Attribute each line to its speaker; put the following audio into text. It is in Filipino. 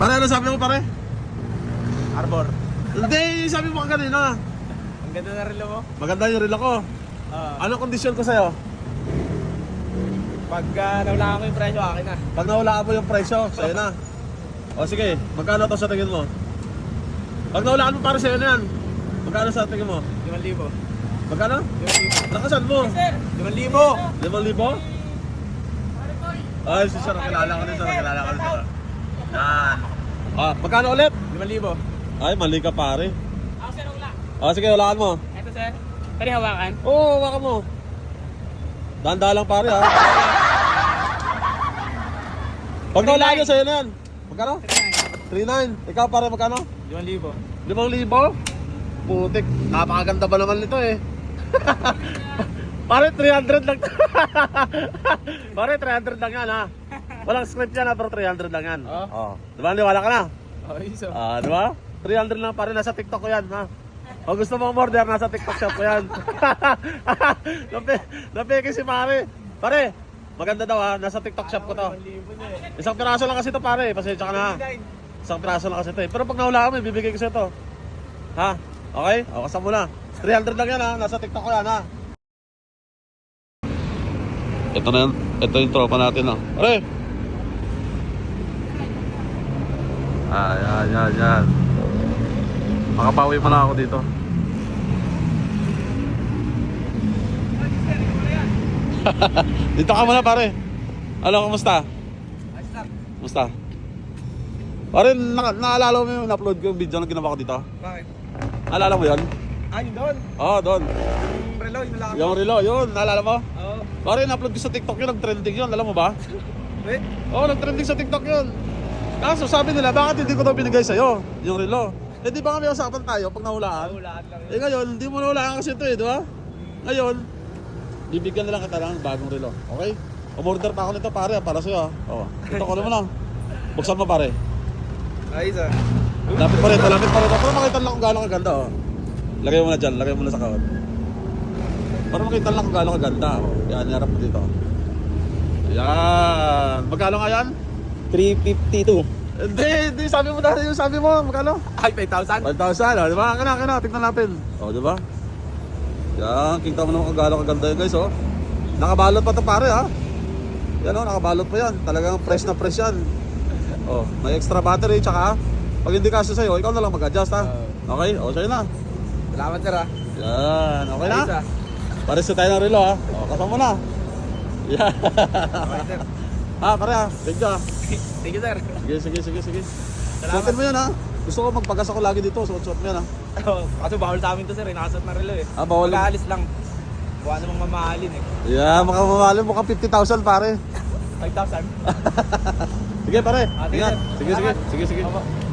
Speaker 1: Pare, ano sabi mo pare?
Speaker 2: Arbor.
Speaker 1: Hindi, sabi mo ka kanina.
Speaker 2: Ang ganda na relo mo.
Speaker 1: Maganda yung reel ako. Anong kondisyon ko sa'yo?
Speaker 2: Pagka nawala ko yung presyo, akin na.
Speaker 1: Pag nawalaan mo yung presyo, sa'yo na. O sige, magkano to sa tingin mo? Pag nawalaan mo pare sa'yo na yan. Magkano sa tingin mo?
Speaker 2: 5,000.
Speaker 1: Magkano?
Speaker 2: 5,000.
Speaker 1: Nakasan mo?
Speaker 2: 5,000.
Speaker 1: 5,000? Ay, si sir, kilala ko din sir, kilala ko din sir. Yan. Magkano ulit?
Speaker 2: 5,000.
Speaker 1: Ay, mali ka pare.
Speaker 2: Ako sir, wala.
Speaker 1: Sige, walaan mo.
Speaker 2: Ito sir. Pwede hawakan?
Speaker 1: Oo, hawakan mo. Dahan-dahan lang pare ha. Pag nawalaan nyo sa'yo na yan. Magkano? 3,900. Ikaw pare, magkano?
Speaker 2: 5,000.
Speaker 1: 5,000? Putik, napakaganda ba naman nito eh. Pare 300 lang. Pare 300 lang yan ha. Walang script yan ha, pero 300 lang yan.
Speaker 2: Oh.
Speaker 1: Diba, niwala ka na?
Speaker 2: Okay, so.
Speaker 1: Diba? 300 lang pare, nasa TikTok ko yan ha. O gusto mong order, nasa TikTok shop ko yan. Napeke si pare. Pare, maganda daw ha, nasa TikTok shop ko to.
Speaker 2: 5,000 na eh.
Speaker 1: Isang piraso lang kasi to pare, pasensya ka na ha. Isang piraso lang kasi to eh. Pero pag nahula kami, bibigay ko sa'yo to. Ha? Okay? O, kasama mo na. 300 lang yan ha. Nasa TikTok ko yan ha. Ito na yan. Ito yung tropa natin ha. Pare! Yan. Makapawi mo na ako dito. Dito ka muna pare. Ano, kumusta?
Speaker 2: Ayos lang.
Speaker 1: Kumusta? Pare, naalala mo yung na-upload ko yung video na ginawa ko dito?
Speaker 2: Bakit?
Speaker 1: Naalala mo yun?
Speaker 2: Yun doon.
Speaker 1: Oo, doon.
Speaker 2: Yung relo, yung nalakad.
Speaker 1: Yung relo, yun. Naalala mo?
Speaker 2: Oo.
Speaker 1: Pare, na-upload ko sa TikTok yun. Nag-trending yun. Alam mo ba?
Speaker 2: Wait.
Speaker 1: Oo, nag-trending sa TikTok yun. Kaso sabi nila, bakit hindi ko daw binigay sa'yo yung relo? Eh di ba kami usapan tayo pag nahulaan?
Speaker 2: Nahulaan lang
Speaker 1: Eh ngayon, hindi mo nahulaan kasi ito eh, di ba? Ngayon, bibigyan na lang kita ng bagong relo. Okay? Umorder pa ako nito pare, para sa'yo. Oo. Ito ko naman lang. Buksan mo pare.
Speaker 2: Ayos ah.
Speaker 1: Lapit pa rin. Para makita lang kung gaano kaganda. Oh. Lagay mo na dyan, lagay mo na sa kahon. Para makita lang kung gaano kaganda. Oh. Yan, harap mo dito. Yan. Magkano nga yan?
Speaker 2: 352.
Speaker 1: Hindi, sabi mo dahil yung sabi mo, magkano?
Speaker 2: Ay, 5,000?
Speaker 1: 1,000, oh, di ba? Kaya, tignan natin. O, di ba? Yan, kita mo naman kung gaano kaganda yun guys, oh. Nakabalot pa to pare, ha? Yan, oh, nakabalot pa yan. Talagang fresh na fresh yan. Oh, may extra battery, tsaka, pag hindi kasi sa'yo, ikaw na lang mag-adjust, ha? Okay, o, sa'yo na.
Speaker 2: Salamat sir ah.
Speaker 1: Yan, okay na?
Speaker 2: Ayos ah.
Speaker 1: Pares na tayo ng relo, ha? O, kasama mo na. Yan.
Speaker 2: Okay sir.
Speaker 1: Pare, ha? Thank you, ha?
Speaker 2: Thank you sir.
Speaker 1: Sige.
Speaker 2: Salamat.
Speaker 1: Suotin mo yan, ha? Gusto ko magpagas ako lagi dito, suot-suot mo yan, ha?
Speaker 2: Kasi bawal sa amin to sir, nakasot na relo eh.
Speaker 1: Bawal.
Speaker 2: Mag-aalis lang. Buwan namang mamahalin eh.
Speaker 1: Yeah, makamamalin mo ka 50,000 pare.
Speaker 2: 5,000.
Speaker 1: Sige pare.
Speaker 2: Sige,
Speaker 1: Ingat.
Speaker 2: sir.
Speaker 1: Sige.
Speaker 2: Opo.